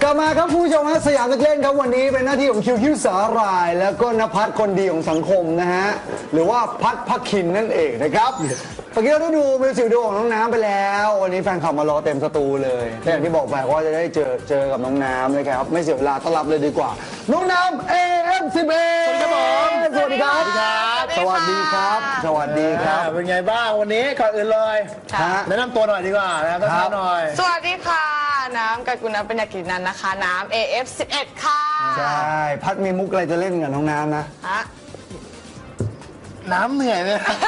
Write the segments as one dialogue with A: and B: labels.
A: ลับมาครับผู้ชมฮะสยามนักเล่นครับวันนี้เป็นหน้าที่ของคิวสาหร่าย แล้วก็นภัสคนดีของสังคมนะฮะหรือว่าพักคินนั่นเองนะครับเมื่อกี้เราได้ดูมิวสิกวิดีโอของน้องน้ำไปแล้ววันนี้แฟนคลับมารอเต็มสตูเลยแต่อย่างที่บอกไปว่าจะได้เจอกับน้องน้ำเลยครับไม่เสียเวลาต้อนรับเลยดีกว่าน้องน้ำ AM11 สวัสดีครับสวัสดีครับสวัสดีครับ
B: เป็นไงบ้างวันนี้ก่อนอื่นเลยแนะนำตัวหน่อยดีกว่านะครับท่านหน่อย
C: สวัสดีค่ะน้ำกักุณปัญญากิจนันนะคะน้ำ AF11 ค่ะ
A: ใช่พัดมีมุกอะไรจะเล่นกับน้องน้ำนะ
B: น้ำเหนื่อยไหมครับ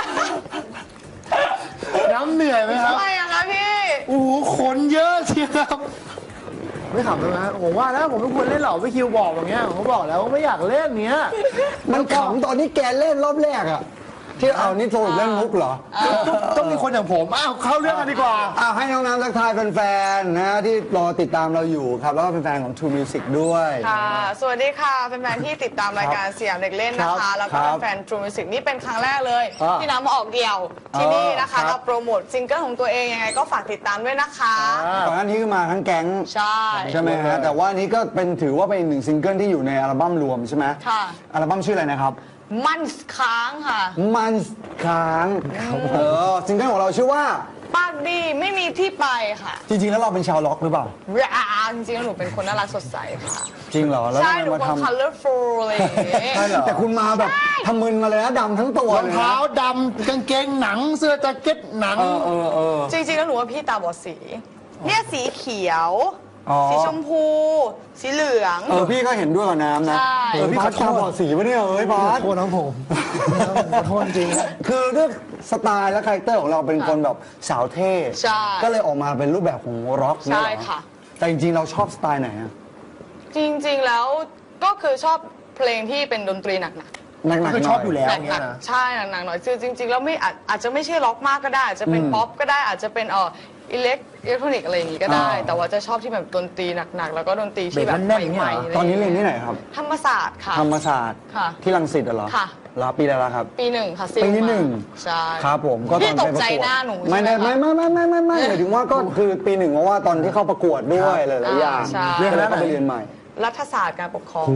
B: น้ำเหนื่อยไหมครับ
C: ทำไมอะคะพี่
B: โอ้โหคนเยอะเชียวครับไม่ขำเลยนะผมว่านะผมไม่ควรเล่นหรอกพี่คิวบอกอย่างเงี้ยผมบอกแล้วว่าไม่อยากเล่นเนี้ย
A: มันขำตอนนี้แกเล่นรอบแรกอะที่เอานี่โทรเล่นมุกเหรอ
B: ต้องมีคนอย่างผมเข้าเรื่องกันดีกว่า
A: ให้น้องน้ำทักทายแฟนๆนะที่รอติดตามเราอยู่ครับแล้วก็เป็นแฟนของ True Music ด้วย
C: ค่ะสวัสดีค่ะแฟนๆที่ติดตามรายการสยามเด็กเล่นนะคะแล้วก็แฟน True Music นี่เป็นครั้งแรกเลยที่น้ำมาออกเดี่ยวที่นี่นะคะเราโปรโมทซิงเกิลของตัวเองยังไงก็ฝากติดตามด้วยนะคะ
A: ก่อนหน้านี้ก็มาทั้งแก๊งใช่ไหมฮะแต่ว่านี้ก็เป็นถือว่าเป็นอีกหนึ่งซิงเกิลที่อยู่ในอัลบั้มรวมใช่ไหม
C: ค่ะ
A: อัลบั้มชื่ออะไรนะครับ
C: มันค้างค่ะ
A: มันค้างซิงเกิลของเราชื่อว่า
C: ปากดีไม่มีที่ไปค่ะ
A: จริงๆแล้วเราเป็นชาวล็อกหรือเปล่า
C: จริงๆแล้วหนูเป็นคนน่ารักสดใสค่ะ
A: จริงเหรอ
C: ใช่หนูเป็น colorful อะไรอย่างเงี้ย
A: ใช่เหรอแต่คุณมาแบบทำมึนมาเลยนะดำทั้งตัว
B: รองเท้าดำกางเกงหนังเสื้อแจ็คเก็ตหนัง
C: จริงๆแล้วหนูว่าพี่ตาบอดสีเนี่ยสีเขียวสีชมพูสีเหลือง
A: พี่ก็เห็นด้วยกับน้ำนะพี่พัดตาบอดสีปะเนี่ยพัด
B: โทษน้องผมขอโทษจริง
A: คือเรื่องสไตล์และคาแรคเตอร์ของเราเป็นคนแบบสาวเท่ก็เลยออกมาเป็นรูปแบบของร็อก
C: ใช่ค่ะ
A: แต่จริงๆเราชอบสไตล์ไหนอะ
C: จริงๆแล้วก็คือชอบเพลงที่เป็นดนตรีหนัก
A: คือ
B: ชอบอยู่แล้ว
C: เนี่ยนะใช่หนักๆหน่อยคือจริงๆแล้วไม่อาจจะไม่ใช่ร็อกมากก็ได้อาจจะเป็นป๊อปก็ได้อาจจะเป็นอิเล็กทรอนิกส์อะไรอย่างงี้ก็ได้แต่ว่าจะชอบที่แบบดนตรีหนักๆแล้วก็ดนตรีที่แบบใหม่
A: ๆตอนนี้เรียนที่ไหนครับ
C: ธรรมศาสตร์ค่ะ
A: ธรรมศาสตร์ที่รังสิตเหรอ
C: ค่ะ
A: รับปีอะไรแล้วครับ
C: ปี1ค่ะ
A: ปีที่
C: 1ใช่
A: ครับผมก็ตอน
C: ไปประกวด
A: ไม่ได้ไม่หมายถึงว่าก็คือปี1เพราะว่าตอนที่เข้าประกวดด้วยหลายๆอย่างเรื่องแล้วก็ไปเรียนใหม่
C: รัฐศาสตร์การปกครอง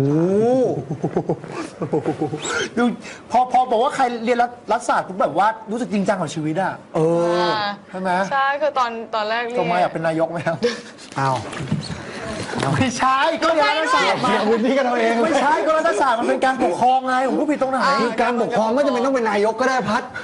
B: ดูพอบอกว่าใครเรียนรัฐศาสตร์ปุ๊บแบบว่ารู้สึกจริงจังกับชีวิตอ่ะใช่ไหม
C: ใช่คือตอนแรก
B: เรียนตัวมาอยากเป็นนายกไหมครับ
A: อ้าว
B: ไม่ใช่ก็เรียนรัฐศาสตร์มา
A: พื้นที่กันเราเอง
B: ไม่ใช่ก็รัฐศาสตร์มันเป็นการปกครองไงผมพูดผิดตรงไหน
A: คือการปกครองไม่จำเป็นต้องเป็นนายกก็ได้พัด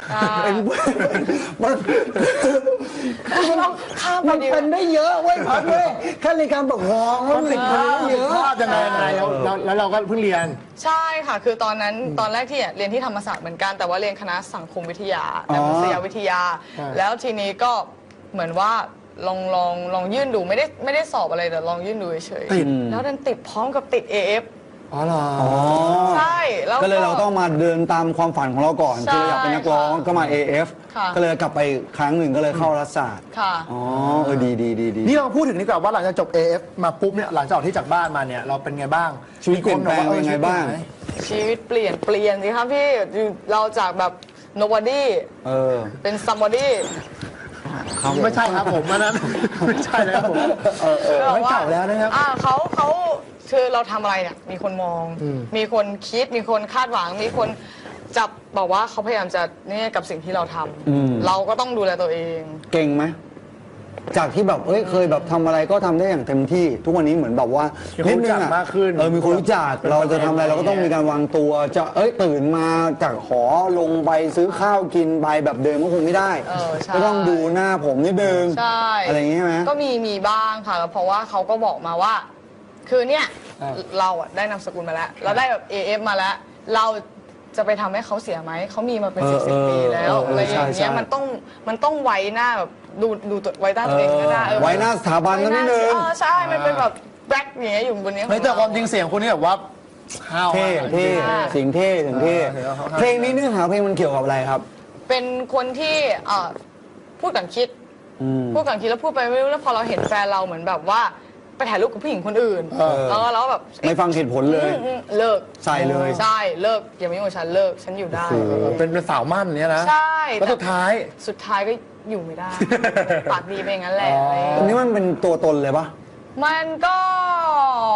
A: มันเป็นได้เยอะเว้ยพัดเว้ยแค่ในการปกครอง
B: มันติดภาพยังไงแล้วเราก็เพิ่งเรียน
C: ใช่ค่ะคือตอนแรกที่เรียนที่ธรรมศาสตร์เหมือนกันแต่ว่าเรียนคณะสังคมวิทยาแต่มนุษยวิทยาแล้วทีนี้ก็เหมือนว่าลองยื่นดูไม่ได้สอบอะไรแต่ลองยื่นดูเฉยๆแล้วดันติดพร้อมกับติด AF
A: อ๋อเหรอ
C: ใช่แล้ว
A: ก็เลยเราต้องมาเดินตามความฝันของเราก่อนคืออยากเป็นนักร้องก็มา AF ก็เลยกลับไปครั้งหนึ่งก็เลยเข้ารัฐศาสตร์อ๋อดี
B: นี่เราพูดถึงดีกว่าว่าหลังจากจบ AF มาปุ๊บเนี่ยหลังจากออกที่จากบ้านมาเนี่ยเราเป็นไงบ้าง
A: ชีวิตเปลี่ยนแปลงเป็นไงบ้าง
C: ชีวิตเปลี่ยนสิครับพี่เราจากแบบ nobody เป็น somebody
B: ไม่ใช่ครับผมอันนั้นไม่ใช่แล้วผมไม่เก่าแล้วนะครับ
C: เขาคือเราทำอะไรเนี่ยมีคนมองมีคนคิดมีคนคาดหวังมีคนจับบอกว่าเขาพยายามจะเนี่ยกับสิ่งที่เราทำเราก็ต้องดูแลตัวเอง
A: เก่งไหมจากที่แบบเคยแบบทำอะไรก็ทำได้อย่างเต็มที่ทุกวันนี้เหมือนแบบว่า
B: นิดนึงมากขึ้น
A: มีคนรู้จักเราจะทำอะไรเราก็ต้องมีการวางตัวจะตื่นมาจากหอลงไปซื้อข้าวกินไปแบบเดิมก็คงไม่ได้ก็ต้องดูหน้าผมนิดนึงอะไรอย่างนี้ไหม
C: ก็มีบ้างค่ะเพราะว่าเขาก็บอกมาว่าคือเนี่ยเราได้นามสกุลมาแล้วเราได้แบบ AF มาแล้วเราจะไปทำให้เขาเสียไหมเขามีมาเป็น10 ปีแล้วอะไรอย่างเงี้ยมันต้องไว้หน้าแบบดูตัวไว้หน้าตัวเองก็ได้
A: ไว้หน้าสถาบันก็นิดนึง
C: ใช่มันเป็นแบบแบล็คอย่างเงี้ยอยู่บนนี้
B: แต่ความจริงเสียงคุณนี่แบบว่า
A: เท่เสียงเท่เพลงนี้เนื้อหาเพลงมันเกี่ยวกับอะไรครับ
C: เป็นคนที่พูดก่อนคิดแล้วพูดไปไม่รู้แล้วพอเราเห็นแฟนเราเหมือนแบบว่าไปถ่ายรูปกับผู้หญิงคนอื่นแล้วแบบ
A: ไม่ฟังเหตุผลเลย
C: เลิก
A: ใส่เลย
C: ใช่เลิกอย่ามายุ่งกับฉันเลิกฉันอยู่ได้
B: เป็นสาวมั่นเนี้ยนะ
C: ใช่
B: แล้วสุดท้าย
C: ก็อยู่ไม่ได้ปากดีไปงั้นแหละ
A: อันนี้มันเป็นตัวตนเลยปะ
C: มันก็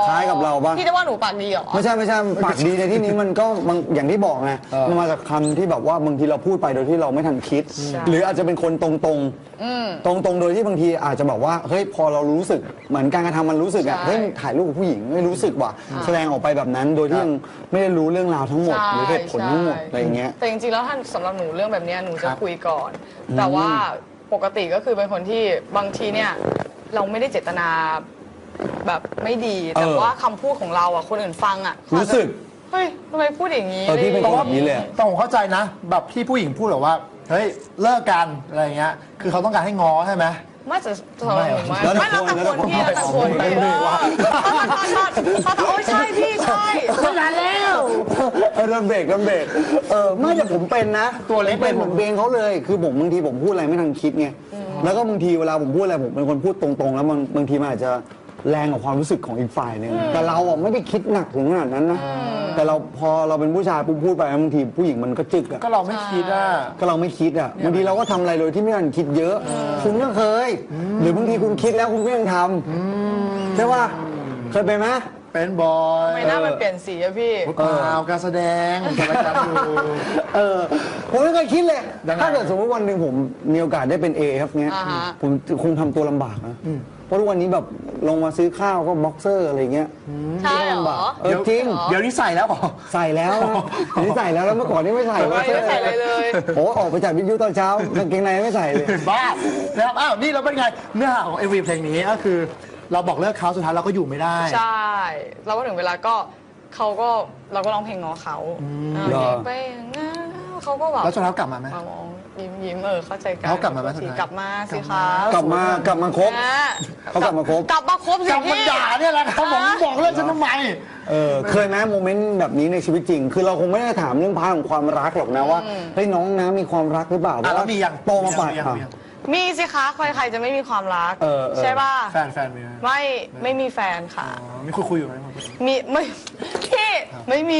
A: คล้ายกับเราปะ
C: พี่จะว่าหนูปากดีเหรอ
A: ไม่ใช่ปากดีในที่นี้มันก็อย่างที่บอกไงมันมาจากคำที่แบบว่าบางทีเราพูดไปโดยที่เราไม่ทันคิด หรืออาจจะเป็นคนตรงๆโดยที่บางทีอาจจะแบบว่าเฮ้ยพอเรารู้สึกเหมือนการกระทำมันรู้สึกอ่ะเฮ้ยถ่ายรูปกับผู้หญิงไม่รู้สึกว่ะแสดงออกไปแบบนั้นโดยที่ยังไม่ได้รู้เรื่องราวทั้งหมดหรือเหตุผลทั้งหมดอะไรอย่างเงี้ย
C: แต่จริงๆแล้วท่านสำหรับหนูเรื่องแบบเนี้ยหนูจะคุยก่อน แต่ว่าปกติก็คือเป็นคนที่บางทีเนี่ยเราไม่ได้เจตนาแบบไม่ดี แต่ว่าคำพูดของเราอ่ะคนอื่นฟังอ่ะ
A: รู้สึก
C: เฮ้ยทำไมพูดอย่างนี้
A: พี่เป็น
B: แต่
A: คน
B: ว่า
A: แบบนี้เลย
B: ต้องผมเข้าใจนะ แบบที่ผู้หญิงพูดแบบว่าเฮ้ยเลิกกันอะไรเงี้ยคือเขาต้องการให้ง้อใช่ไหม
C: ไม่จะสำหรับหนูไม่
A: แล้วแต่
C: ไม่แล้วแต่
A: คน
C: คนพี่
A: แล้วแต่
C: แล้วแต่
A: คน
C: คนไป
A: ไม่รู้ว่า
C: โอ้ยใช่พี่ใช่
B: ไม่นานแล้ว
A: โดนเบรกไม่แต่ผมเป็นนะ
B: ตัวเล็ก
A: เป็นเหมือนเบงเขาเลยคือผมบางทีผมพูดอะไรไม่ทันคิดไงแล้วก็บางทีเวลาผมพูดอะไรผมเป็นคนพูดตรงๆ แล้วบางทีมันอาจจะแรงกับความรู้สึกของอีกฝ่ายหนึ่งแต่เราอ่ะไม่ได้คิดหนักถึงขนาดนั้นนะแต่เราพอเราเป็นผู้ชายปุ๊บพูดไปบางทีผู้หญิงมันก็จึกอ่ะ
B: ก็เราไม่คิดอ่ะ
A: ก็เราไม่คิดอ่ะบางทีเราก็ทำอะไรโดยที่ไม่ทันคิดเยอะ คุณก็เคย หรือบางทีคุณคิดแล้วคุณก็ยังทำใช่ป่ะเคยเป็นไหม
B: เป็นบอย
C: ไม่น่ามันเปลี่ยนสีอะพี่
B: เปล่าการแสดงการรายการอยู่
A: ผมไม่เคยคิดเลย
B: ยังไง
A: ถ้าเกิดสมมติวันหนึ่งผมมีโอกาสได้เป็นเอครับเนี้ย
C: อ่าฮะ
A: ผมคงทำตัวลำบากนะเพราะทุกวันนี้แบบลงมาซื้อข้าวก็บ็อกเซอร์อะไรเงี้ย
C: ใช่เหร
A: ลำบาก
C: อ
A: จริง
B: เดี๋ยวนี้ใส่แล้วเหรอ
A: ใส่แล้วนะเดี๋ยวนี้ใส่แล้วเมื่อก่อนนี่ไม่ใส่
C: ไม่ใส่อะไรเลย
A: โอ้ออกไปจากวิทยุตอนเช้ากางเกงในไม่ใส่เลย
B: บ้านะครับอ้าวนี่เราเป็นไงเนื้อหาของ MV เพลงนี้ก็คือ เราบอกเลิกเขาสุดท้ายเราก็อยู่ไม่ได้
C: ใช่เราก็ถึงเวลาก็เราก็ร้องเพลงง้อเขา
A: เหรอ
C: ไปงั้นเขาก็แบบ
B: แล้วสุดท้ายกลับมาไหม
C: มามองยิ้มเข้าใจกัน
B: เขากลับมาไหมสุดท้าย
C: กลับมาสิคะ
A: กลับมาครบ
C: นะ
A: เขากลับมาครบ
C: กลับมาครบสิ
B: กลับมา
C: พี่
B: ด่าเนี่ยแหละครับผมบอกเลิกฉันทำไม
A: เคยไหมโมเมนต์แบบนี้ในชีวิตจริง คือเราคงไม่ได้ถามเรื่องพาร์ทของความรักหรอกนะว่าเฮ้ยน้องนะมีความรักหรือเปล่า
B: แล้วมียัง
A: โตมาป่ะ
B: มียัง
C: มีสิคะใครจะไม่มีความรัก ใช่ป่ะ
B: แฟนมีไหม
C: ไม่มีแฟนค่ะ
B: อ๋อมีคุยอยู่ไหม
C: มีไม่พี่ไม่มี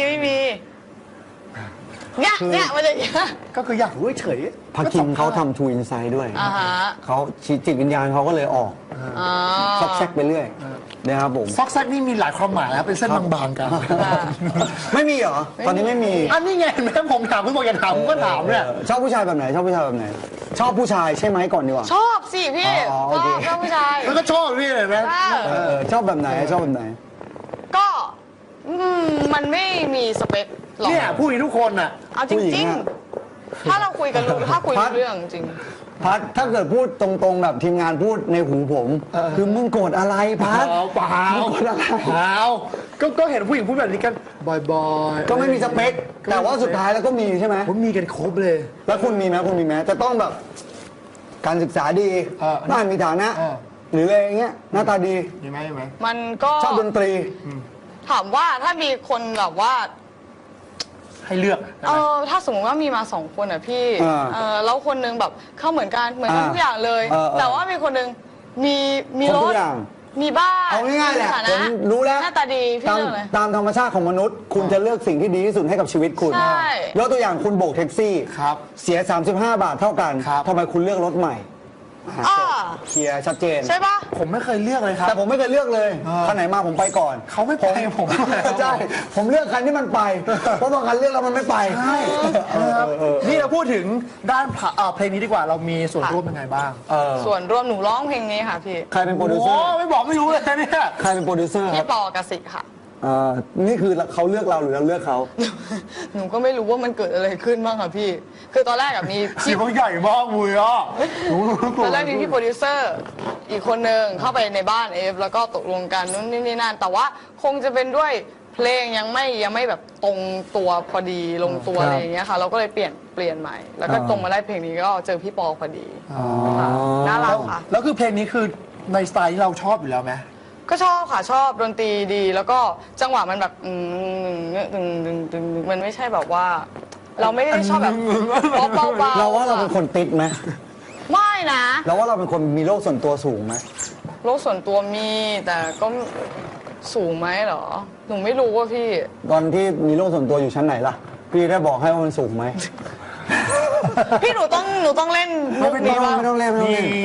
C: เนี่ยมันจะอย่างเงี้ย
B: ก็คืออยากรู้เฉย
A: พักคิงเขาทำทูอินไซด์ด้วย
C: อ่าฮะ
A: เขาจิตวิญญาณเขาก็เลยออก
C: อ๋อ
A: ซอกแซกไปเรื่อยนะครับผม
B: ซอกแซกนี่มีหลายความหมายนะเป็นเส้นบางๆกัน
A: ไม่มีเหรอ ตอนนี้ไม่มี
B: อันนี้ไงแม่ผมถามคุณบอกอย่าถามผมก็ถามเนี่ย
A: ชอบผู้ชายแบบไหน ชอบผู้ชายแบบไหน ชอบผู้ชายใช่ไหมก่อนดีกว่า
C: ชอบสิพี่
A: อ๋อโอเค
C: ชอบผู้ชาย
B: แล้วก็ชอบพี่เลยไหม
A: ชอบแบบไหนชอบแบบไหน
C: ก็มันไม่มีสเปคหรอก
B: เนี่ยผู้หญิงทุกคนน่ะ
C: เอาจ
A: ผู้หญิ
C: ริ
A: ง
C: ง
A: อะ
C: ๆ ถ้าเราคุยกันรู้ถ้าคุยรู้เรื่องจริง
A: พัดถ้าเกิดพูดตรงๆแบบทีมงานพูดในหูผม คือมึงโกรธอะไรพัด
B: เปล่า
A: มึงโกรธอะไร
B: เปล่าก็เห็นผู้หญิงพูดแบบนี้กันบ่อยๆ
A: ก็ไม่มีสเปค แต่ว่าสุดท้ายแล้วก็มีใช่ไหม
B: ผมมีกันครบเลย
A: แล้วคุณมีไหมจะต้องแบบ การศึกษาดี บ้านมีฐานะ หรืออะไรอย่างเงี้ยหน้าตาดี
B: มีไหม
C: มันก็
A: ชอบดนตรี
C: ถามว่าถ้ามีคนแบบว่า
B: ให้เลือก
C: ถ้าสมมติว่ามีมา2 คนอ่ะพี่ แล้วคนนึงแบบเข้าเหมือนกันทุกอย่างเลย แต่ว่ามีคนนึงมี
A: ครบ
C: ร
A: ทุ
C: ถ
A: กอย่าง
C: มีบ้าน
A: เอาง่ายๆแหละ
C: มีฐ
A: ผมรู้แล้ว
C: หน้าตาดีพี่
A: ตาม
C: เลือกเลย
A: ตามธรรมชาติของมนุษย์ คุณจะเลือกสิ่งที่ดีที่สุดให้กับชีวิตคุณ
C: ใช่
A: ยกตัวอย่างคุณโบกแท็กซี่
B: ครับ
A: เสีย 35 บาทเท่ากัน
B: ครับ
A: ทำไมคุณเลือกรถใหม่เคลียร์ชัดเจน
C: ใช่ปะ
B: ผมไม่เคยเลือกเลยครับ
A: แต่ผมไม่เคยเลือกเลยคันไหนมาผมไปก่อน
B: เขาไม่ไปผม
A: ใช่ผมเลือกคันที่มันไป เพราะบางคันเลือกแล้วมันไม่ไป
B: ใช่นี่เราพูดถึงด้านเพลงนี้ดีกว่าเรามีส่วนร่วมยังไงบ้าง
C: ส่วนรวมหนูร้องเพลงนี้ค่ะพี่
A: ใครเป็นโปรดิว
B: โอ้
A: เซอร์
B: ไม่บอกไม่รู้เลยเนี่ย
A: ใครเป็นโปรดิวเซอร์ค
C: พี่
A: รับ
C: ปอกสิค่ะ
A: นี่คือเขาเลือกเราหรือเราเลือกเขา
C: หนูก็ไม่รู้ว่ามันเกิดอะไรขึ้นบ้างค่ะพี่ คือตอนแรกมี
B: เสียงใหญ่มากมุยอ่ะ
C: ตอนแรกมีพี่โปรดิวเซอร์อีกคนนึงเข้าไปในบ้านแล้วก็ตกลงกันนู่นนี่นั่นแต่ว่าคงจะเป็นด้วยเพลงยังไม่แบบตรงตัวพอดีลงตัวอะไรอย่างเงี้ยค่ะ เราก็เลยเปลี่ยนใหม่ แล้วก็ตรงมาได้เพลงนี้ก็เจอพี่ปอพอดีค่ะน่ารักค่ะ
B: แล้วคือเพลงนี้คือในสไตล์ที่เราชอบอยู่แล้วไหม
C: ก็ชอบค่ะชอบดนตรีดี แล้วก็จังหวะมันแบบมันไม่ใช่แบบว่า เราไม่ได้ชอบแบบเบาๆ
A: เราว่าเราเป็นคนติดไหม
C: ไม่นะ
A: เราว่าเราเป็นคนมีโลกส่วนตัวสูงไหม
C: โลกส่วนตัวมีแต่ก็สูงไหมเหรอ หนูไม่รู้ว่าพี่
A: ตอนที่มีโลกส่วนตัวอยู่ชั้นไหนล่ะ พี่ได้บอกให้ว่ามันสูงไหม
C: พี่หนูต้องเล่นมุกนี้ว่า
A: ไม่ต้องเล่น
B: มี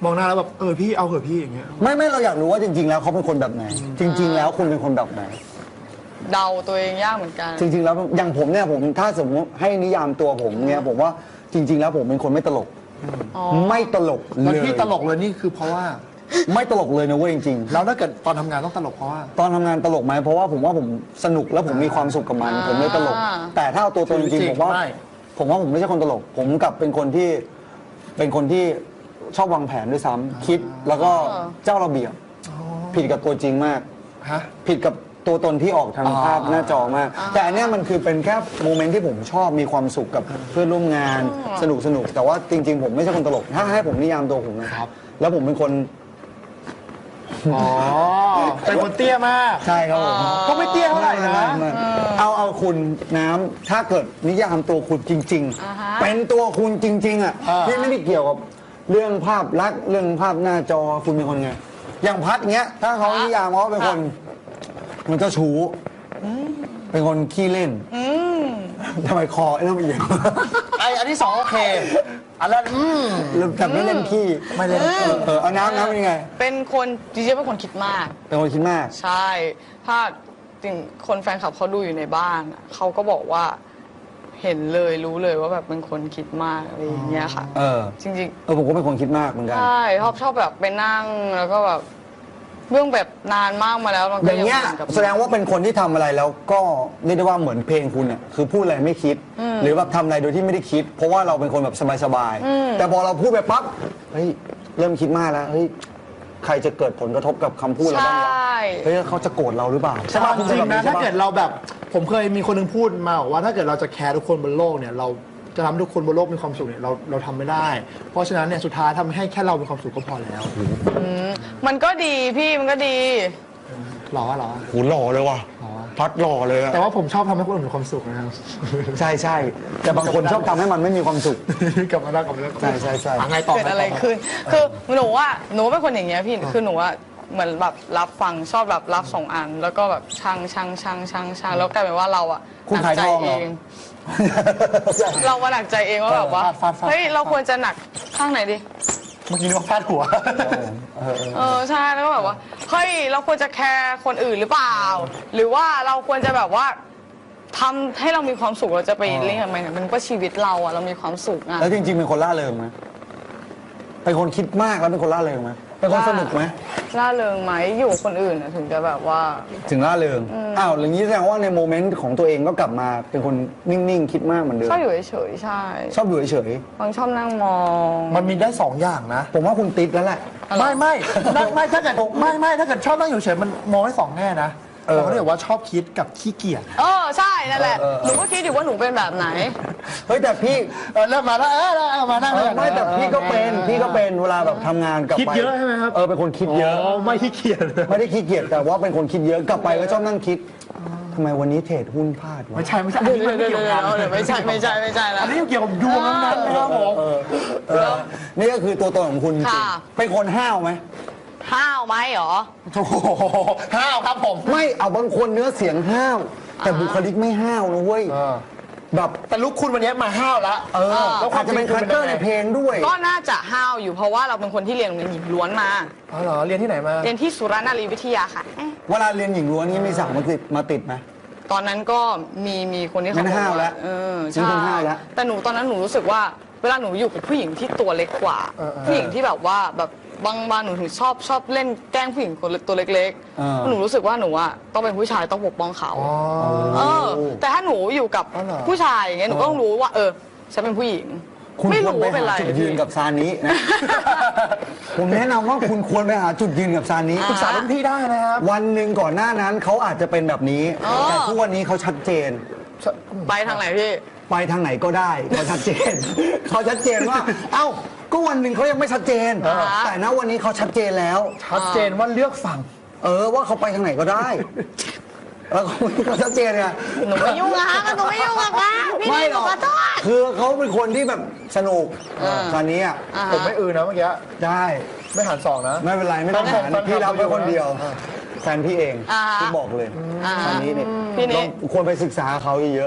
B: มองหน้าแล้วแบบพี่เอาเหอะพี่อย่างเงี้ย
A: ไม่เราอยากรู้ว่าจริง ๆ แล้วเขาเป็นคนแบบไหน จริง ๆ แล้วคุณเป็นคนแบบไหน
C: เดาตัวเองยากเหมือนกัน
A: จริง ๆ แล้วอย่างผมเนี่ยผมถ้าสมมติให้นิยามตัวผมเนี่ยผมว่าจริง ๆ แล้วผมเป็นคนไม่ตลก
C: อ๋อ
A: ไม่ตลก
B: แล้ว
A: เลย
B: ที่ตลกเลยนี่คือเพราะว่า
A: ไม่ตลกเลยนะเว้ยจริง
B: แล้วถ้าเกิดตอนทำงานต้องตลกเพราะว่า
A: ๆ ตอนทำงานตลกไหมเพราะว่าผมสนุกแล้วผมมีความสุขกับมัน ผมเลยตลก แต่ถ้าเอาตัวตนจริงๆผมว่า
B: ไม่
A: ผมไม่ใช่คนตลก ผมกลับเป็นคนที่ชอบวางแผนด้วยซ้ำคิดแล้วก็เจ้าระเบียบผิดกับตัวจริงมาก
B: ฮะ
A: ผิดกับตัวตนที่ออกทางภาพหน้าจอมาก แต่อันเนี้ยมันคือเป็นแค่โมเมนต์ที่ผมชอบมีความสุขกับเพื่อนร่วมงานสนุกแต่ว่าจริง ๆ ผมไม่ใช่คนตลก ถ้าให้ผมนิยามตัวผมนะครับ แล้วผมเป็นคน
B: อ๋อเป็นคนเตี้ยมาก
A: ใช่ครับผม
B: ก็ไม่เตี้ยเท่าไหร่นะ
A: ไม่เอาคุณน้ำถ้าเกิดนิยามตัวคุณจริง ๆ เป็นตัวคุณจริง ๆ อ่ะที่ไม่ได้เกี่ยวกับเรื่องภาพลักษณ์เรื่องภาพหน้าจอคุณเป็นคนไงอย่างพัดเงี้ยถ้าเขานิยามเขาเป็นคนมันเจ้าชู้เป็นคนขี้เล่นทำไมคอเริ่มเอียง
B: อันที่สองโอเคอันนั้น
A: แต่ไม่เล่นขี้
B: ไม่เล่น
A: เอาน้ำเป็นยังไง
C: เป็นคนจริงๆเป็นคนคิดมาก
A: เป็นคนคิดมาก
C: ใช่ ถ้าจริงคนแฟนคลับเขาดูอยู่ในบ้านอะเขาก็บอกว่าเห็นเลยรู้เลยว่าแบบเป็นคนคิดมากอะไรอย่างเงี้ยค่ะ จริง
A: ผมก็เป็นคนคิดมากเหมือนกัน
C: ๆใช่ชอบแบบไปนั่งแล้วก็แบบเรื่องแบบนานมากมาแล้วมัน
A: อ
C: ก็
A: ย่างเงี้ย
C: หมือนกับ
A: แสดงว่าเป็นคนที่ทำอะไรแล้วก็เรียกได้ว่าเหมือนเพลงคุณเนี่ยคือพูดอะไรไม่คิด หรือแบบทำอะไรโดยที่ไม่ได้คิด เพราะว่าเราเป็นคนแบบสบายๆแต่พอเราพูดไปปั๊บเฮ้ยเริ่มคิดมากแล้วเฮ้ยใครจะเกิดผลกระทบกับคำพูดเรา
C: ใช
A: บ้างวะ
C: ่
A: เฮ้ยเขาจะโกรธเราหรือเปล่า
B: ใช่ป่ะจริงๆนะ
A: ใช่
B: ถ้า
A: ป
B: เกิดเราแบบผมเคยมีคนหนึงพูดมาบอกว่าถ้าเกิดเราจะแคร์ทุกคนบนโลกเนี่ยเราจะทำให้ทุกคนบนโลกมีความสุขเนี่ยเราทำไม่ได้ เพราะฉะนั้นเนี่ยสุดท้ายทำให้แค่เรามีความสุขก็พอแล้ว
C: มันก็ดีพี่มันก็ดี
B: หรอ
A: หูหล่อเลยว่ะพัดหล่อเลยอะ
B: แต่ว่าผมชอบทำให้คนอื่นมีความสุขนะครับ
A: ใช่แต่บางคนชอบทำให้มันไม่มีความสุข
B: กลับมาได้กลับมาได้
A: ใช่
B: ไงต่อ
C: เกิดอะไรขึ้น คือหนูเป็นคนอย่างเงี้ยพี่ คือหนูเหมือนแบบรับฟังชอบแบบรับส่งอัน แล้วก็แบบช่างแล้วกลายเป็นว่าเราอะ
A: คุณ
C: หนั
A: ขาย
C: ใจ
A: ทองเหร
C: เอ
A: อ
C: ง เรามาหนักใจเองว่าแบบว่า
B: ฟาด
C: เฮ้ยเราควรจะหนักข้างไหนดี
B: เมื่อกี้นึกว่าฟาดหัว
C: ใช่แล้วก็แบบว่าเฮ้ยเราควรจะแคร์คนอื่นหรือเปล่า หรือว่าเราควรจะแบบว่าทำให้เรามีความสุขเราจะไปเล่นทำไมเนี่ยมันก็ชีวิตเราอะเรามีความสุขอะ
A: แล้วจริงๆเป็นคนล่าเริงไหมเป็นคนคิดมากแล้วเป็นคนล่าเริงไหมเป็นคนสนุกไหม
C: ร่าเริงไหมอยู่กับคนอื่นอะถึงจะแบบว่า
A: ถึงล่าเริงอ้าวอย่างนี้แสดงว่าในโมเมนต์ของตัวเองก็กลับมาเป็นคนนิ่งๆคิดมากเหมือนเดิม
C: ชอบอยู่เฉยๆใช่
A: ชอบอยู่เฉย
C: บางชอบนั่งมอง
B: มันมีได้สองอย่างนะ
A: ๆผมว่าคุณติดแล้วแหละ
B: ไม่ถ้าเกิดถ้าเกิดชอบนั่งอยู่เฉยมันมองได้สองแง่นะเราเรียกว่าชอบคิดกับขี้เกียจ
C: ใช่นั่นแหละหนูก็คิดอยู่ว่าหนูเป็นแบบไหน
A: เฮ้ยแต่พี่
B: เริ่มมาแล้วมานั่งแล้ว
A: ไม่แต่พี่ก็เป็นเวลาแบบทำงานกลับไป
B: คิดเยอะใช่ไหมครับ
A: เป็นคนคิดเยอะ
B: ไม่ขี้เกียจ
A: ไม่ได้ขี้เกียจแต่ว่าเป็นคนคิดเยอะกลับไปก็ชอบนั่งคิดทำไมวันนี้เทรดหุ้นพลาดวะ
B: ไม่ใช่อันนี้ไม่เกี่ยวกัน
C: เดี๋ยวไม่ใช่แล้ว
B: อันนี้เกี่ยวกับดวงนั้นนะครับผม
A: นี่ก็คือตัวตนของคุณจริง
C: ค่ะ
A: เป็นคนห้าวไหม
C: ห้าวไหมหรอ
B: โอ้โหห้าวครับผม
A: ไม่เอาบางคนเนื้อเสียงห้าว แต่บุคลิกไม่ห้าวนะเว้ยแบบ
B: แต่ลุกคุณวันนี้มาห้าวแล้ว
A: แล้วอาจจะเป็นคาแรคเตอร์ในเพลงด้วย
C: ก็น่าจะห้าวอยู่เพราะว่าเราเป็นคนที่เรียนโรงเรียนหญิงล้วนมา
B: อ๋อเหรอเรียนที่ไหนมา
C: เรียนที่สุรนารีวิทยาค่ะ
A: เวลาเรียนหญิงล้วนนี้มีสาวมาติดไหม
C: ตอนนั้นก็มีคนที่เขา
A: งั้น
C: บอก
A: ห้าวแล้ว
C: ใช่
A: งั้นห้าวแล้ว
C: แต่หนูตอนนั้นหนูรู้สึกว่า เวลาหนูอยู่กับผู้หญิงที่ตัวเล็กกว่า ผู้หญิงที่แบบว่าแบบบางหนูถึงชอบเล่นแกล้งผู้หญิงคนตัวเล็กๆหนูรู้สึกว่าหนูอะต้องเป็นผู้ชายต้องปกป้องเขาแต่ถ้าหนูอยู่กับผู้ชายอย่างเงี้ยหนูก็ต้องรู้ว่าฉันเป็นผู้หญิง
A: คุณ
C: ไม่
A: ควร
C: รู้
A: ไป
C: ว่าเป็น
A: หา
C: ไร
A: จุดยืนกับซานินะ ผมแนะนำว่าคุณควรไปหาจุดยืนกับซานิ
B: ปรึกษารุ่นพี่ได้นะครับ
A: วันหนึ่งก่อนหน้านั้นเขาอาจจะเป็นแบบนี้ แต่ทุกวันนี้เขาชัดเจน
C: ไปทางไหนพี่
A: ไปทางไหนก็ได้เขาชัดเจน เขาชัดเจนว่า เอ้าก็วันหนึ่งเขายังไม่ชัดเจน แต่ณวันนี้เขาชัดเจนแล้ว
B: ชัดเจนว่าเลือกฝั่ง
A: ว่าเขาไปทางไหนก็ได้ แล้วเขาชัดเจนไง
C: หนูไม่ยุ่งอะคะหนูไม่ยุ่งอะคะพี่
A: ไม่
C: นี่
A: ห
C: ห
A: ร
C: นู
A: อก
C: ขอโทษ
A: คือเขาเป็นคนที่แบบสนุกตอนนี้อ่ะ
B: ผมไม่อื่นนะเมื่อกี้
A: ได้
B: ไม่หันสองนะ
A: ไม่เป็นไรไม่ต้องหาร
B: แฟนคลับ
A: พี่รับไว้คนเดียว แฟนพี่เอง
C: อ่าฮะ
A: ที่บอกเลยตอนนี้นี่
C: พี่นี่
A: เราควรไปศึกษาเขาเยอะ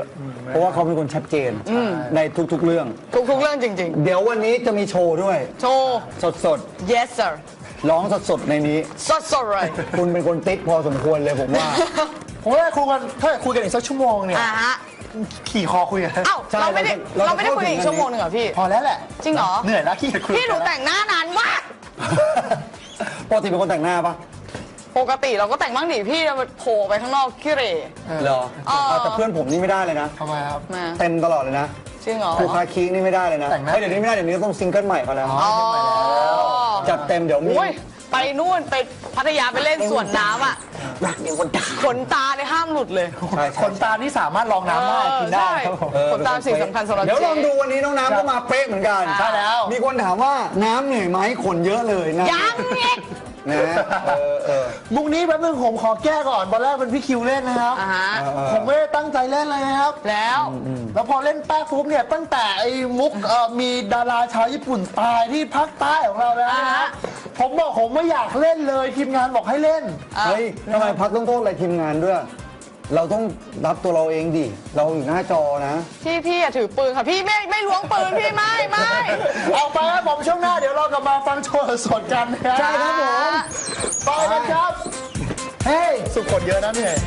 A: เพราะว่าเขาเป็นคนชัดเจนในทุกๆเรื่อง
C: ทุกๆเรื่องจริง
A: เดี๋ยววันนี้จะมีโชว์ด้วย
C: ๆ โชว์
A: สด
C: yes sir
A: ๆร้องสดๆในนี้
C: สดๆเลย
A: คุณเป็นคนติ๊กพอสมควรเลยผมว่า
B: ผมว่าคุยกันถ้าคุยกันอีกสักชั่วโมงเนี่ย
C: ฮะ
B: ขี่คอคุยกัน
C: เอ้า
A: ใช่
C: เราไม่ได้
A: เราจะ
C: เราไม่ได้คุย
A: เข้าถึง
C: อีกชั่วโมงหนึ่งเหรอพี่
B: พอแล้วแหละ
C: จริงเหรอ
B: เหนื่อยแล้วขี้เกียจคุย
C: พี่หนูแต่งหน้านานมาก
A: ปกติเป็นคนแต่งหน้าปะ
C: ปกติเราก็แต่งบ้างดิพี่เราโผล่ไปข้างนอกขี้เหร่
A: เหรอเอาแต่เพื่อนผมนี่ไม่ได้เลยนะ
B: ทำไมครับ
C: มา
A: เต็มตลอดเลยนะ
C: จริงเหรอ
A: ครูคาคีนี่ไม่ได้เลยนะ
B: แต่งหน้า
A: เฮ้ยเดี๋ยวนี้ไม่ได้เดี๋ยวนี้ต้องซิงเกิลใหม่เขาแล้ว
C: อ๋อ
A: จัดเต็มเดี๋ยวมี
C: โอ้ยไปนู่นไปพัทยาไปเล่นสวนน้ำอ่ะ
A: รักเดียวคนตา
C: ขนตาเนี่ยห้ามหลุดเลย
A: ใช่
B: ขนตานี่สามารถรองน้ำได้กินได้
C: ใช่
B: ครับผม
C: ขนตาสิ่งสำคัญสำหรับ
A: เดี๋ยว
C: เจ๊
A: ลองดูวันนี้น้องน้ำก็มาเป๊ะเหมือนกัน
C: ใช่แล้ว
A: มีคนถามว่าน้ำเหนื่อยไหมขนเยอะเลยนะ
C: ยังอีก
A: นะเออ
B: มุกนี้แป๊บนึงผมขอแก้ก่อนตอนแรกเป็นพี่คิวเล่นนะครับ
C: อ่าฮะ
B: ผมไม่ได้ตั้งใจเล่นเลยนะครับ
C: แล้ว
B: แล้วพอเล่นแป๊กปุ๊บเนี่ยตั้งแต่ไอ้มุกมีดาราชาวญี่ปุ่นตายที่ภาคใต้ของเราแล้วนะ
C: อ่า
B: ฮะ
C: ฮะ
B: ผมบอกผมไม่อยากเล่นเลยทีมงานบอกให้เล่น
A: เฮ้ยทำไมพักต้องโทษอะไรทีมงานด้วย เราต้องรับตัวเราเองดิ เราอยู่หน้าจอนะ
C: พี่อย่าถือปืนค่ะพี่ไม่ล้วงปืนพี่ไม่
B: เอาไปครับผมช่วงหน้าเดี๋ยวเรากลับมาฟังโชว์สดกันนะ
A: ใช่ครับผม
B: ไปกันครับ เฮ้ย สุขคนเยอะนะเนี่ย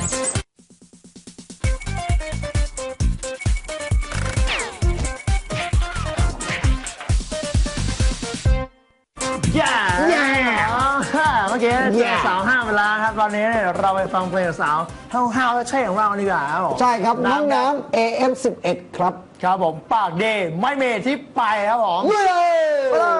B: ย่าเมื่อกี้เจอสาวห้ามเวลาครับตอนนี้เนี่ยเราไปฟังเพลงสาวห้าวๆใช่ของเราดีกว่าครับผม
A: ใช่ครับน้องน้ำ AM11 ครับ
B: ครับผมปากเดย์ไม่เมที่ไปครับผม
A: เย้
B: ไปเลย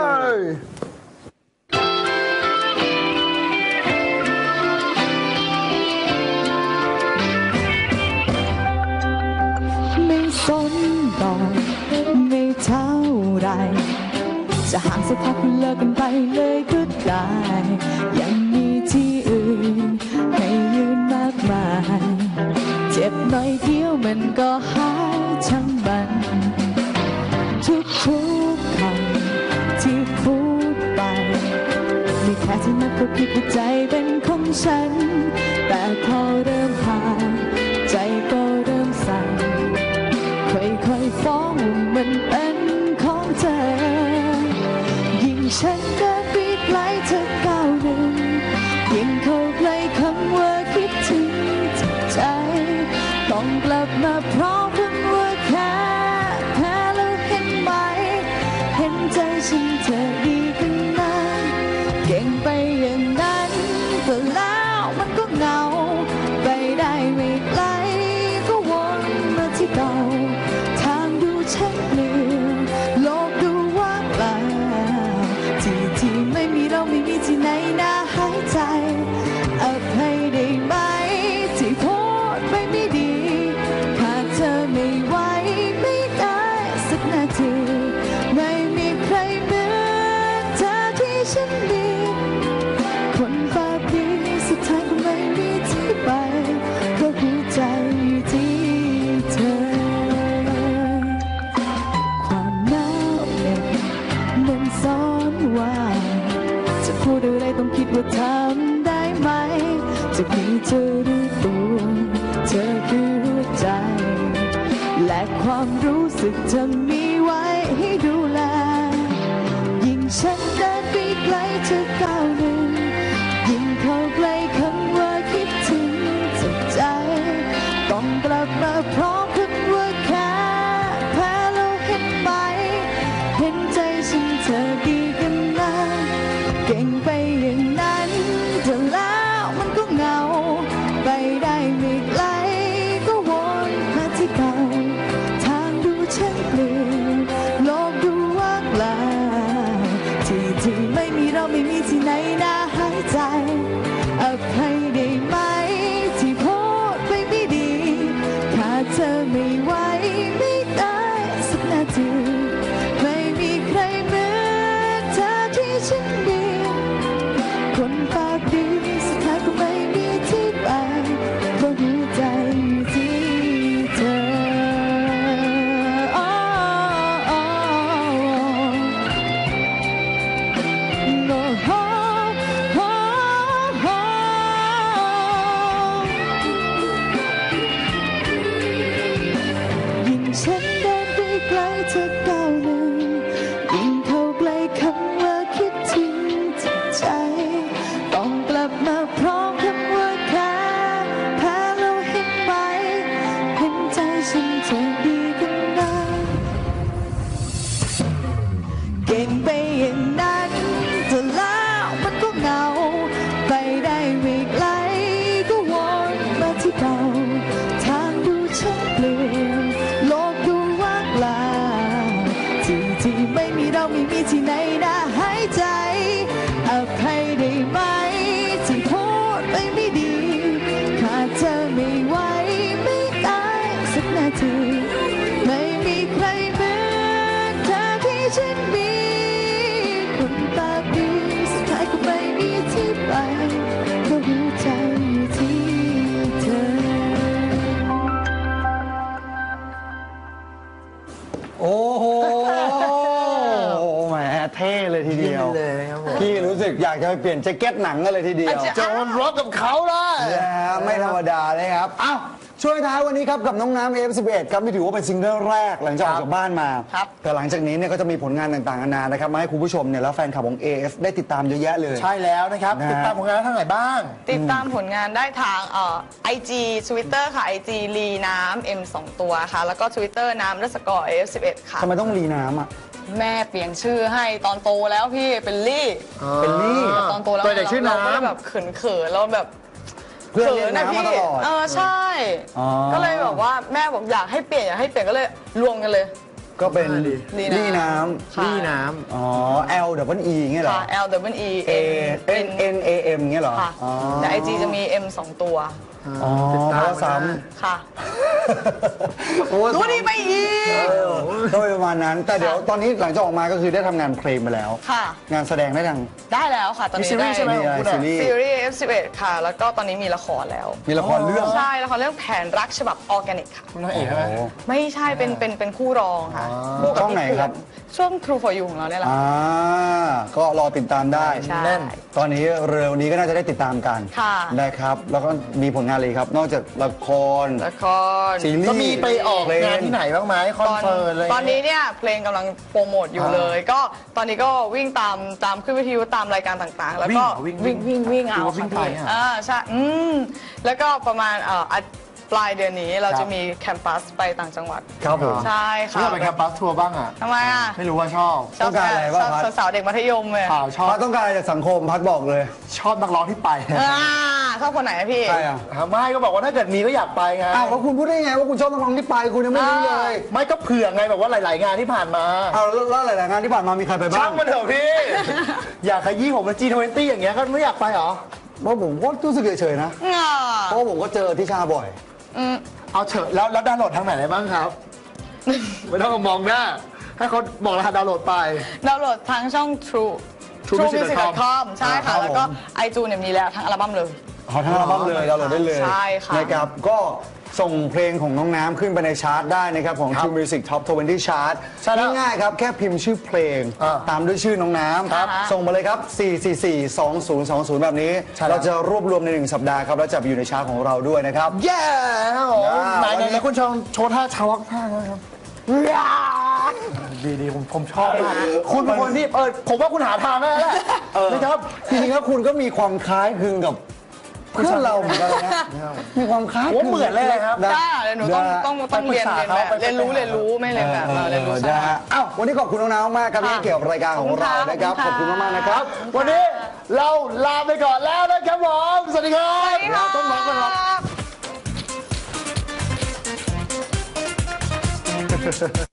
D: ไม่สนดอกไม่เท่าไร จะห่างสักพักเลิกกันไปเลยก็ได้ ยังมีที่อื่นให้ยืนมากมาย เจ็บหน่อยเดียวมันก็หายทั้งมัน ทุกๆคำที่พูดไปไม่แค่ที่นักก็คิดว่าใจเป็นของฉัน แต่พอเริ่มผ่านใจก็เริ่มสั่นค่อยๆฟ้องว่ามันเป็นของเธอ ยิ่งฉันเดินไปไกลเธอก้าวหนึ่งยิ่งเข้าใกล้คำว่าคิดถึงจิตใจ ต้องกลับมาเพราะเพิ่งว่าแค่แพ้แล้วเห็นไหม เห็นใจฉันเธอดีขึ้นนะเก่งไปอย่างนั้นแต่แล้วมันก็เหงา ไปได้ไม่ไกลก็วนมาที่เก่า ทางดูชักเปลี่ยนโลกดูว่างเปล่าที่ไม่มีเราไม่มีที่ไหนน่าหายใจอภัยได้ไหมที่โพสต์ไม่ดีขาดเธอไม่ไหวไม่ได้สักนาทีไม่มีใครเหมือนเธอที่ฉันมีคนปากดีสุดท้ายก็ไม่มีที่ไปเพราะหัวใจอยู่ที่เธอ ความหนาวเหน็บมันซ้อนว่าจะพูดอะไรต้องคิดว่าทำได้ไหมจะมีเธอรู้ตัวเธอคือหัวใจ และความรู้สึกเธอมีไว้ให้ดูแล ยิ่งฉันเดินไปไกลเธอก้าวหนึ่งยิ่งเข้าใกล้คำว่าคิดถึงจากใจ ต้องกลับมาพร้อมคำว่าแค่แพ้แล้วเห็นไหม เห็นใจฉันเธอดีกันนะเก่งไปอย่างนั้นแต่แล้วมันก็เหงา ไปได้ไม่ไกลก็วนมาที่เก่า ทางดูฉันเปลี่ยนโลกดูว่างเปล่าที่ไม่มีเราไม่มีที่ไหนน่าหายใจอภัยได้ไหมที่โพสต์ไปไม่ดีขาดเธอไม่ไหวไม่ได้สักนาทีไม่มีใครเหมือนเธอที่ฉันมีคนปากดีสุดท้ายก็ไม่มีที่ไปเพราะหัวใจอยู่ที่เธอ โเป็นไปอย่างนั้นแต่แล้วมันก็เหงาไปได้ไม่ไกลก็วนมาที่เก่าทางดูช่างเปลี่ยนโลกดูว่างเปล่าที่ไม่มีเราไม่มีที่ไหนน่าหายใจอภัยได้ไหมที่พูดไปไม่ดีขาดเธอไม่ไหวไม่ได้สักนาทีไม่มีใครเหมือนเธอที่ฉันมีคนปากดีสุดท้ายก็ไม่มีที่ไปก็หัวใจอยู่ที่เธอ
A: โอ้โหแหมเท่เลยทีเดียว
B: เลยนะครับผม
A: พี่รู้สึกอยากจะไปเปลี่ยนแจ็คเก็ตหนังกันเลยทีเดียว
B: จะon rock กับเขาได้
A: นะฮะไม่ธรรมดาเลยครับอ้าวช่วยท้ายวันนี้ครับกับน้องน้ำ F11 ครับที่ถือว่าเป็นซิงเกิลแรกหลังจากออกจากบ้านมา
C: ครับ
A: แต่หลังจากนี้เนี่ยก็จะมีผลงานต่างๆนานานะครับมาให้คุณผู้ชมเนี่ยแล้วแฟนคลับของ AF ได้ติดตามเยอะแยะเลย
B: ใช่แล้วนะครับ
A: นะฮะ
B: ติดตามผลงานทางไหนบ้าง
C: ติดตามผลงานได้ทางIG Twitter ค่ะ IG ลีน้ำ M 2 ตัวค่ะ แล้วก็ Twitter น้ำ_F11 ค่ะ
A: ทำไมต้องรีน้ำอ่ะ
C: แม่เปลี่ยนชื่อให้ตอนโตแล้วพี่เป็นลี่
A: เป็นลี่
C: ตอนโตแล้ว
B: ตัวเด็กชื่อน้ำ
C: เราก็เลยแบบเขินๆแล้วแบบ
A: เพื่อนเรียนน้ำมาตลอด
C: ใช่
A: อ๋อ
C: ก็เลยแบบว่าแม่บอกอยากให้เปลี่ยนก็เลยรวมกันเลย
A: ก็เป็น
C: ลี่
A: ลี่น้
C: ค่ะ
B: นี่น้
A: ำอ๋อ L W E เงี้ยเหรอ
C: ค่ะ L W E
A: A
C: N
A: N A M เงี้ยเหรอ
C: ค่ะ
A: อ๋อ
C: แต่ IG จะมี M 2 ตัว
B: ำ
A: อ๋อ
B: ติด
A: เพ
B: ตาม
A: ราะว่าซ้
C: ค่ะ
A: ำโอ้
C: รู้ดีไปอีก
A: ก็ประมาณนั้น แต่เดี๋ยวตอนนี้หลังจากออกมาก็คือได้ทำงานเพลงไปแล้ว
C: ค่ะ
A: งานแสดงได้ยัง
C: ได้แล้วค่ะ ตอน
B: มี
C: นี้
B: ซีรี
C: ได้
B: ส์ใช่ไหม
A: มี
B: ของคุณ
A: ซี
B: อะ
A: รีส์
C: ซีรีส์ F11 ค่ะ แล้วก็ตอนนี้มีละครแล้ว
A: มีละครเรื่อง
C: ใช่ละครเรื่องแผนรักฉบับออร์แกนิกค่ะ
B: คุณนางเอกใช่ไหม
A: โอ้
C: ไม่ใช่เป็นคู่รองค่ะคู่กั
A: ช่องไหน
C: พี่
A: ครับ
C: ช่วง True for You ของเราเนี่ยแหละ
A: อ่าก็รอติดตามได้
C: ใช่
B: แน่น
A: ตอนนี้เร็วนี้ก็น่าจะได้ติดตามกัน
C: ค่ะ
A: นะครับ แล้วก็มีผลงานเลยครับ นอกจากละคร
C: ละคร
A: ซีรีส์
B: ก็มีไปออก
A: เพล
B: งานที่ไหนบ้างไหมคอนเสิร์ตอะไร
C: ตอนนี้เนี่ยเพลงกำลังโปรโมทอยู่เลย ก็ตอนนี้ก็วิ่งตามขึ้นวิทยุตามรายการต่างๆ แล้วก็วิ่งเอา
B: วิ่งไปอ่ะ
C: ใช่แล้วก็ประมาณปลายเดือนนี้เราจะมีแคมปัสไปต่างจังหวัด
A: ครับผม
C: ใช่
B: ฉัน
C: ค่ะ
B: อยากไปแคมปัสทัวร์บ้างอ่ะ
C: ทำไมอ่ะ
B: ไม่รู้ว่าชอบ
A: ต้องการอะไรบ้าง
C: ชอบ
A: พัด
C: สาวๆเด็กมัธยมเลย
B: เปล่าชอบ
A: พัดต้องการอะไรจากสังคมพัดบอกเลย
B: ชอบนักร้องที่ไป
C: ชอบคนไหนอะพี่
A: ใช่อ่ะ
B: ไม่ก็บอกว่าถ้าเกิดมีก็อยากไปไง
A: อ้าวแล้วคุณพูดได้ไงว่าคุณชอบนักร้องที่ไปคุณยังไม่รู้เลย
B: ไม่ก็เผื่อไงแบบว่าหลาย ๆ งานที่ผ่านมา
A: อ้าวแล้วหลายๆงานที่ผ่านมามีใครไปบ้า
B: ช่าง งมันเถอะพี่ อยากขยี้ผมเป็น G20 อย่างเงี้ยก็ไม่อยากไปเหรอ
A: เพราะผมก็รู้สึกเฉยๆนะ เพราะผมก็เจอที่ชาบ่อย
B: เอาเถอะแล้วดาวน์โหลดทางไหนได้บ้างครับ ไม่ต้องมองหน้าให้เขาบอกรหัสดาวน์โหลดไป
C: ดาวน์โหลดทางช่อง TrueMusic.com ใช่ค่ะ
A: ครับ
C: แล้วก็
A: ผม
C: iTunes เนี่ยมีแล้วทั้งอัลบั้มเลย
A: ขอทั้งอัลบั้มเลยดาวน์โหลดได้เลย
C: ใช่ค่ะ
A: นะครับก็ส่งเพลงของน้องน้ำขึ้นไปในชาร์ตได้นะครับของ
B: ครับ
A: True Music Top 20 Chart
B: ใช่แล้ว
A: ง่ายๆครับ แค่พิมพ์ชื่อเพลง ตามด้วยชื่อน้องน้
C: ครับ
A: ำส่งมาเลยครับ 4442020 แบบนี้
B: ใช่แล้ว
A: เราจะรวบรวมใน 1 สัปดาห์ครับ แล้วจะไปอยู่ในชาร์ตของเราด้วยนะครับ
B: แย่ไหน
A: วันนี้
B: ไหนคุณโชว์ท่าชาวักท่านะครับ ดีผมชอบมากคุณเป็นคนที่ผมว่าคุณหาทางได้แล้วแหละนะครับ
A: จริงๆแล้วคุณก็มีความคล้ายคลึงกับเพื่อนเราเหมือนกันนะมีความคล้ายคลึง
B: ผมเหมือนเลยครับ
A: นะ
C: ได้เดี๋ยวหนูต้องเรียนแบบเรียนรู้ไม่เรียนแบบเรียนรู้
A: นะ
C: ใช่
A: ฮะอ้าววันนี้ขอบคุณน้องน้ำมากครับที่ให้เกี่ยวกับรายการของเรานะครับ ขอบคุณมากๆนะครับ
B: วันนี้เราลาไปก่อนแล้วนะครับผมสวัสดีครับ
C: ค่ะ
B: ต้องร้องกันครับ